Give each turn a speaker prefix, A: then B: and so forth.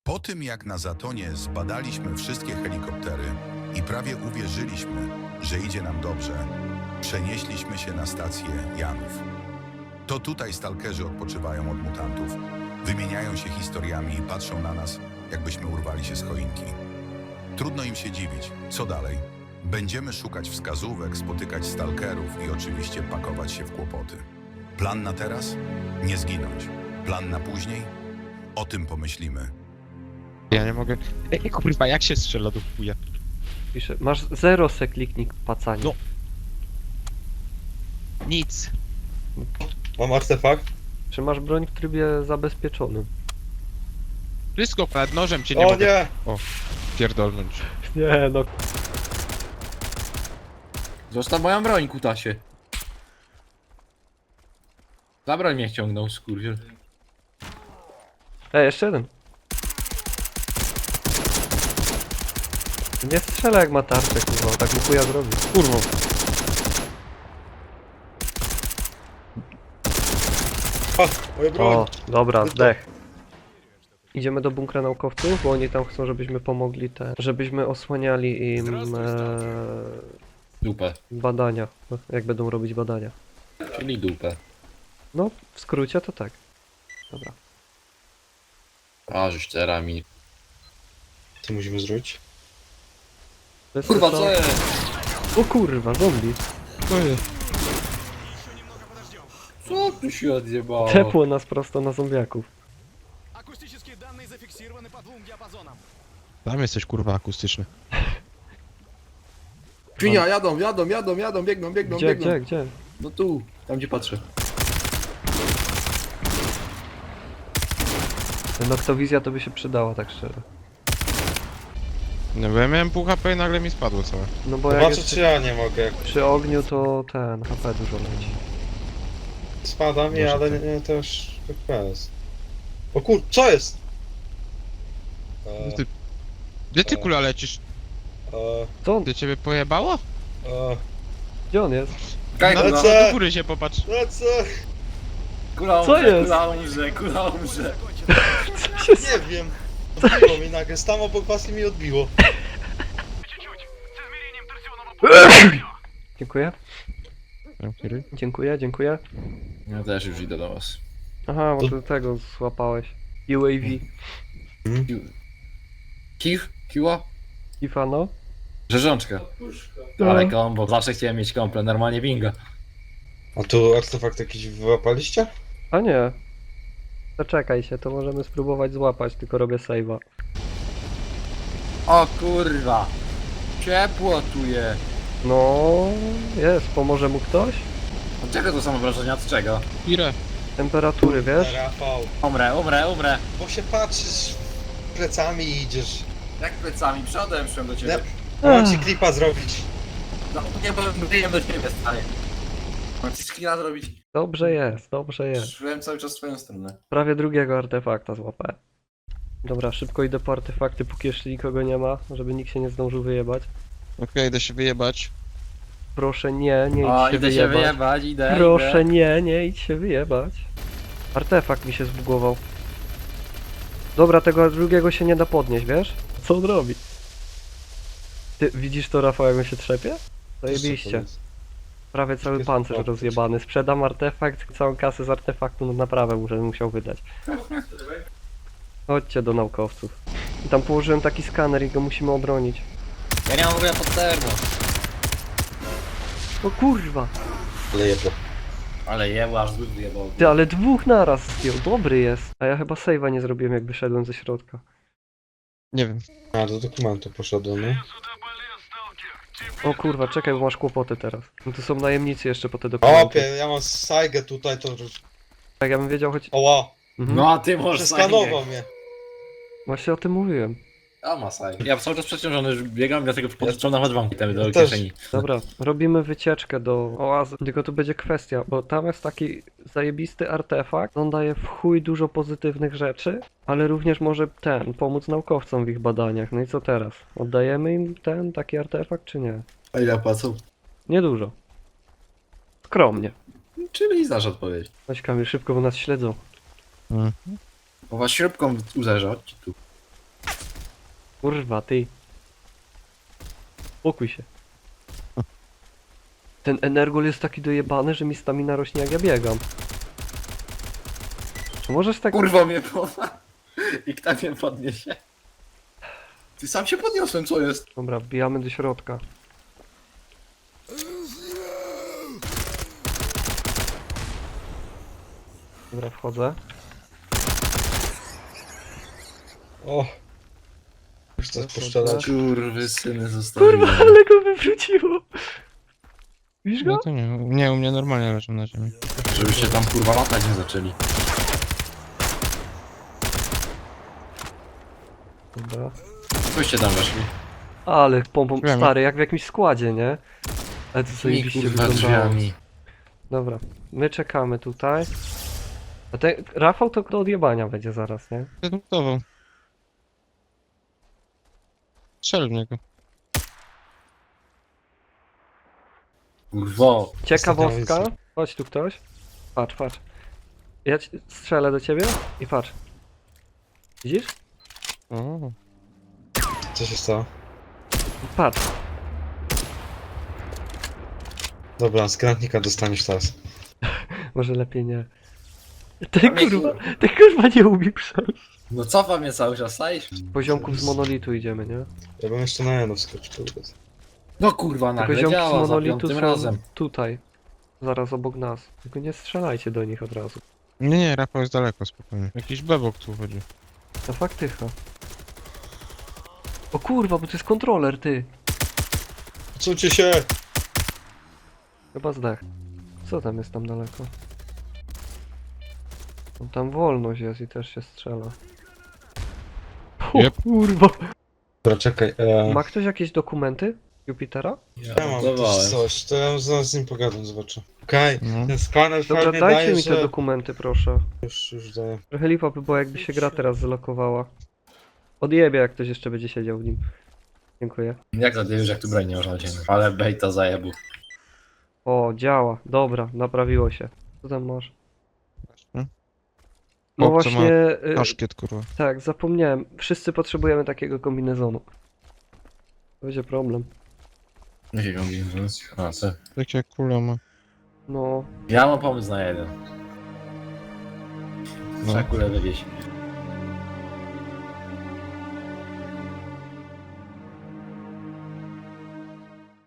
A: Po tym jak na Zatonie zbadaliśmy wszystkie helikoptery i prawie uwierzyliśmy, że idzie nam dobrze, przenieśliśmy się na stację Janów. To tutaj stalkerzy odpoczywają od mutantów, wymieniają się historiami i patrzą na nas, jakbyśmy urwali się z choinki. Trudno im się dziwić. Co dalej? Będziemy szukać wskazówek, spotykać stalkerów i oczywiście pakować się w kłopoty. Plan na teraz? Nie zginąć. Plan na później? O tym pomyślimy.
B: Ja nie mogę. Ej, kurwa, jak się strzela do chuja?
C: Pisze, masz 0 se kliknik pacanie.
B: No. Nic.
D: Mam artefakt.
C: Czy masz broń w trybie zabezpieczonym?
B: Wszystko nad nożem cię nie
D: O
B: mogę
D: nie!
B: pierdolnąć.
C: Nie no.
E: Zostaw moją broń, kutasie. Za broń mnie ściągnął, skurwiel.
C: Jeszcze jeden. Nie strzela jak ma tarczę, kurwa, tak mu chuja zrobi.
B: Kurwa.
D: O, moja broń!
C: O, dobra, zdech. Idziemy do bunkra naukowców, bo oni tam chcą, żebyśmy pomogli żebyśmy osłaniali im
E: Dupę.
C: badania, no, jak będą robić badania.
E: Czyli dupę.
C: No, w skrócie to tak. Dobra.
E: A, żeś cerami.
D: Co musimy zrobić?
C: To jest
E: Kurwa,
C: to-
E: co jest?
C: O kurwa, zombie.
E: Co tu się odjebało?
C: Tepło nas prosto na zombiaków.
F: Акустические данные зафиксированы по 2 диапазонам.
B: Tam jesteś kurwa akustyczny.
E: Świnia, jadą, biegną.
C: Gdzie?
E: No tu, tam gdzie patrzę.
C: Noktowizja to by się przydała, tak szczerze.
B: No bo ja miałem pół HP i nagle mi spadło całe.
C: No bo jak
D: Zobaczę,
C: jest
D: czy ja nie mogę. Jak
C: przy ogniu, to ten HP dużo leci.
D: spada mi,
B: Może
D: ale
B: tak.
D: nie też FPS. O kur... co jest?
B: Ty- Gdzie ty kula lecisz?
C: Co on?
B: Ty ciebie pojebało?
C: Gdzie on jest?
E: Kaj,
B: No,
E: kula,
D: lecę.
B: do góry się popatrz.
D: Lecę!
E: kula
C: Co
E: umrze,
C: jest?
E: kula umrze.
D: Nie wiem. Odbiło mi nagle, tam obok was i mi odbiło.
C: Dziękuję. Dziękuję.
E: Ja też już idę do was.
C: Aha, bo ty tego złapałeś. UAV.
E: Kiła?
C: Ifano?
E: Rzeżączka. Ale kombo, zawsze chciałem mieć komple, normalnie bingo.
D: A tu artefakt jakiś wyłapaliście?
C: A nie. Zaczekaj się, to możemy spróbować złapać, tylko robię save'a.
E: O kurwa. Ciepło tu jest.
C: No, jest, pomoże mu ktoś?
E: Od czego to są wrażenia, od czego?
B: Ile?
C: Temperatury, wiesz?
D: Rafał.
E: Umrę.
D: Bo się patrzysz plecami i idziesz.
E: Jak plecami, przodem szłem do ciebie.
D: Mam ci klipa zrobić.
E: No nie, bo wyjem do ciebie, stary. Mam ci screena zrobić.
C: Dobrze jest.
E: Szłem cały czas w twoją stronę.
C: Prawie drugiego artefakta złapałem. Dobra, szybko idę po artefakty, póki jeszcze nikogo nie ma, żeby nikt się nie zdążył wyjebać.
B: Okej, idę się wyjebać.
C: Proszę nie idź
E: O,
C: się
E: idę się
C: wyjebać.
E: wyjebać, idę.
C: Proszę nie idź się wyjebać. Artefakt mi się zbugował. Dobra, tego drugiego się nie da podnieść, wiesz? Co on robi? Ty widzisz to, Rafał, jak on się trzepie? Zajebiście. Prawie cały
D: Jest
C: pancerz
D: podnieść.
C: rozjebany. Sprzedam artefakt, całą kasę z artefaktu na naprawę musiał wydać. Chodźcie do naukowców. I tam położyłem taki skaner i go musimy obronić.
E: Ja nie mam w ogóle pod termo.
C: O kurwa!
D: Ale jedno.
E: Ale jeba, aż zbyt wyjebał.
C: Ty, ale dwóch naraz zdjął, dobry jest. A ja chyba save'a nie zrobiłem, jak wyszedłem ze środka.
B: Nie wiem.
D: A, do dokumentu poszedłem, no.
C: O kurwa, czekaj, bo masz kłopoty teraz. No to są najemnicy jeszcze po te dokumenty.
D: Opie, ja mam Saigę tutaj, to...
C: Jak ja bym wiedział, choć...
D: Oła!
C: Mhm.
E: No a ty możesz
D: Przeskanował mnie.
C: Właśnie o tym mówiłem.
E: A masaj. Ja cały czas przeciążony już biegam, dlatego podrzucam nawet wam temy do
D: Ja też.
E: kieszeni.
C: Dobra, robimy wycieczkę do oazy. Tylko tu będzie kwestia, bo tam jest taki zajebisty artefakt. On daje w chuj dużo pozytywnych rzeczy, ale również może pomóc naukowcom w ich badaniach. No i co teraz? Oddajemy im taki artefakt, czy nie?
E: A ile płacą?
C: Niedużo. Skromnie.
E: Czyli znasz odpowiedź.
C: Chodź Kamil, szybko, bo nas śledzą.
E: Bo was śrubką uderza, chodźcie tu.
C: Kurwa, ty. Spokój się. Ten energol jest taki dojebany, że mi stamina rośnie jak ja biegam. Czy możesz tak...
E: Kurwa mnie poza. I kto mnie podniesie? Ty sam się podniosłem, co jest?
C: Dobra, wbijamy do środka. Dobra, wchodzę.
D: O! Chcę
C: Dobra,
D: poszczelać.
E: Kurwy syny zostawiłem.
C: Kurwa, ale go wywróciło! Widzisz
B: No
C: go?
B: to nie, nie, u mnie normalnie leżą na ziemi.
E: Żebyście tam kurwa latać nie zaczęli.
C: Dobra.
E: Coście tam weszli.
C: Ale pompą,
B: Drzwiami.
C: stary, jak w jakimś składzie, nie? Ale to
E: I
C: zajebiście
E: kurwa
C: wyglądało.
E: drzwiami.
C: Dobra, my czekamy tutaj. A ten Rafał to do odjebania będzie zaraz, nie?
B: Zdedukował. Strzel w niego.
E: Kurwo.
C: Ciekawostka.
D: Ostatnia
C: Chodź tu ktoś. Patrz, patrz. Ja strzelę do ciebie i patrz. Widzisz?
B: O,
D: Co się stało?
C: Patrz.
D: Dobra, z granatnika dostaniesz teraz.
C: Może lepiej nie. Ten kurwa nie umie przejść.
E: No cofa mnie cały czas, sajsz?
C: Poziomków z monolitu idziemy, nie?
D: Ja bym jeszcze na Eno wskoczył.
E: No kurwa, nagle
C: Poziomki z
E: działa za
C: monolitu
E: piątym
C: są
E: razem.
C: tutaj. Zaraz obok nas. Tylko nie strzelajcie do nich od razu.
B: nie, nie, Rafał jest daleko, spokojnie. Jakiś bebok tu chodzi.
C: To faktycha. O kurwa, bo to jest kontroler, ty.
D: Odsuńcie się!
C: Chyba zdech. Co tam jest tam daleko? No, tam wolność jest i też się strzela. O
B: Jep.
C: kurwa.
D: Dobra, czekaj.
C: Ma ktoś jakieś dokumenty Jupitera?
D: Ja mam
E: Dawałem.
D: też coś, to ja zaraz z nim pogadam, zobaczę. Okej,
B: No.
D: ten skaner
C: Dobra,
D: fajnie
C: dajcie
D: daje,
C: mi te
D: że...
C: dokumenty, proszę.
D: Już daję.
C: Trochę lipa by było, jakby się gra teraz zlokowała. Odjebie, jak ktoś jeszcze będzie siedział w nim. Dziękuję.
E: Jak zadajesz, jak tu broń nie można wziąć. Ale bejta zajebu.
C: O, działa. Dobra, naprawiło się. Co tam masz?
B: Hmm?
C: No
B: O, co ma
C: właśnie,
B: Paszkiet, kurwa.
C: tak, zapomniałem. Wszyscy potrzebujemy takiego kombinezonu. To będzie problem.
E: Jakiego mówię? A co?
B: Jakie kule ma.
C: No,
E: Ja mam pomysł na jeden.
B: No.
E: Trzeba kulę wywieźć.